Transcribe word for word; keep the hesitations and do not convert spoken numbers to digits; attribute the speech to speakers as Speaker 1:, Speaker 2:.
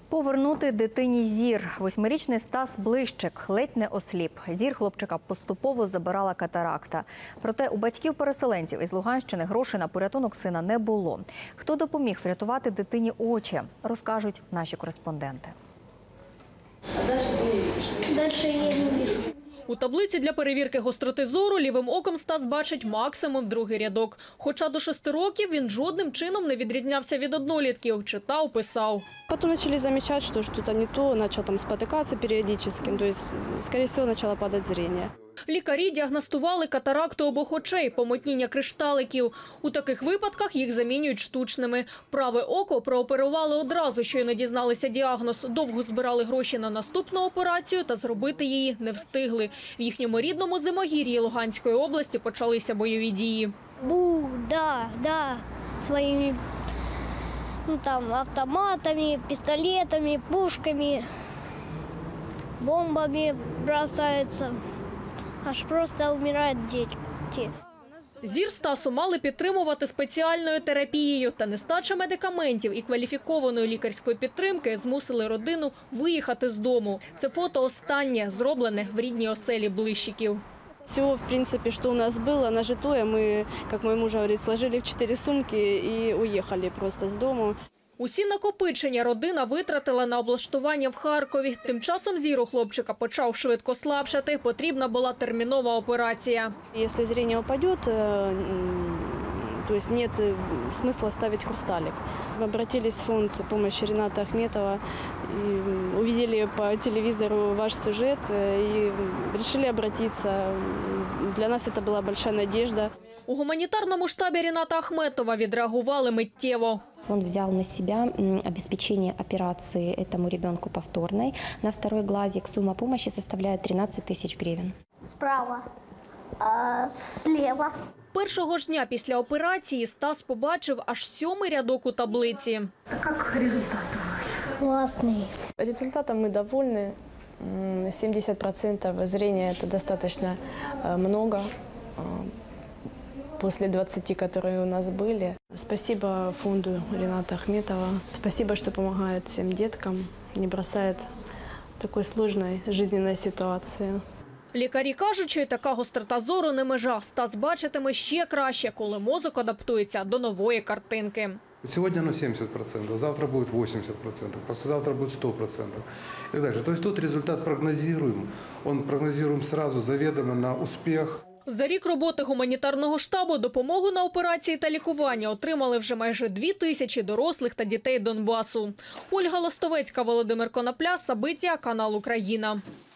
Speaker 1: Повернути дитині зір. Восьмирічний Стас Блищик ледь не осліп. Зір хлопчика поступово забирала катаракта. Проте у батьків-переселенців із Луганщини грошей на порятунок сина не було. Хто допоміг врятувати дитині очі, розкажуть наші кореспонденти.
Speaker 2: А дальше ты не видишь? Дальше я не вижу.
Speaker 3: У таблиці для перевірки гостроти зору лівим оком Стас бачить максимум другий рядок. Хоча до шести років він жодним чином не відрізнявся від однолітків. Читав, писав.
Speaker 4: Потом начали замечать, что что-то не то, начал там спотыкаться периодически, то есть, скорее всего, начало падать зрение.
Speaker 3: Лікарі діагностували катаракту обох очей, помутніння кришталиків. У таких випадках їх замінюють штучними. Праве око прооперували одразу, щойно дізналися діагноз. Довго збирали гроші на наступну операцію та зробити її не встигли. В їхньому рідному Зимогір'ї Луганської області почалися бойові дії.
Speaker 2: Бу, да, да, своими ну, там, автоматами, пистолетами, пушками, бомбами бросаются. Аж просто вмирають діти.
Speaker 3: Зір Стасу мали підтримувати спеціальною терапією. Та нестача медикаментів і кваліфікованої лікарської підтримки змусили родину виїхати з дому. Це фото останнє, зроблене в рідній оселі Блищиків.
Speaker 4: Все, в принципе, что у нас было нажитое, мы, как мой муж говорит, сложили в четыре сумки и уехали просто с дому.
Speaker 3: Усі накопичення родина витратила на облаштування в Харкові. Тим часом зір у хлопчика почав швидко слабшати. Потрібна була термінова операція.
Speaker 4: Если зрение упадет, то есть нет смысла ставить хрусталик. Мы обратились в фонд помощи Рената Ахметова, и увидели по телевизору ваш сюжет и решили обратиться. Для нас это была большая надежда.
Speaker 3: У гуманітарному штабі Рената Ахметова відреагували миттєво.
Speaker 5: Он взял на себя обеспечение операции этому ребенку повторной. На второй глазик сумма помощи составляет тринадцать тысяч гривен.
Speaker 2: Справа, а слева.
Speaker 3: Першого ж дня після операції Стас побачив аж сьомий рядок у таблиці.
Speaker 2: А як результат у вас? Классный.
Speaker 4: Результатом мы довольны. семьдесят процентов зрения – это достаточно много. После двадцати, которые у нас были. Спасибо фонду Рената Ахметова. Спасибо, что помогает всем деткам, не бросает в такой сложной жизненной ситуации.
Speaker 3: Лікарі кажуть, що й така гострота зору не межа. Стас бачитиме ще краще, коли мозок адаптується до нової картинки.
Speaker 6: Сегодня оно семьдесят процентов, завтра будет восемьдесят процентов, послезавтра будет сто процентов. И так дальше. То есть тут результат прогнозируем. Он прогнозируем сразу, заведомо на успех.
Speaker 3: За рік роботи гуманітарного штабу допомогу на операції та лікування отримали вже майже дві тисячі дорослих та дітей Донбасу. Ольга Лостовецька, Володимир Конопля, Сабиття, канал Україна.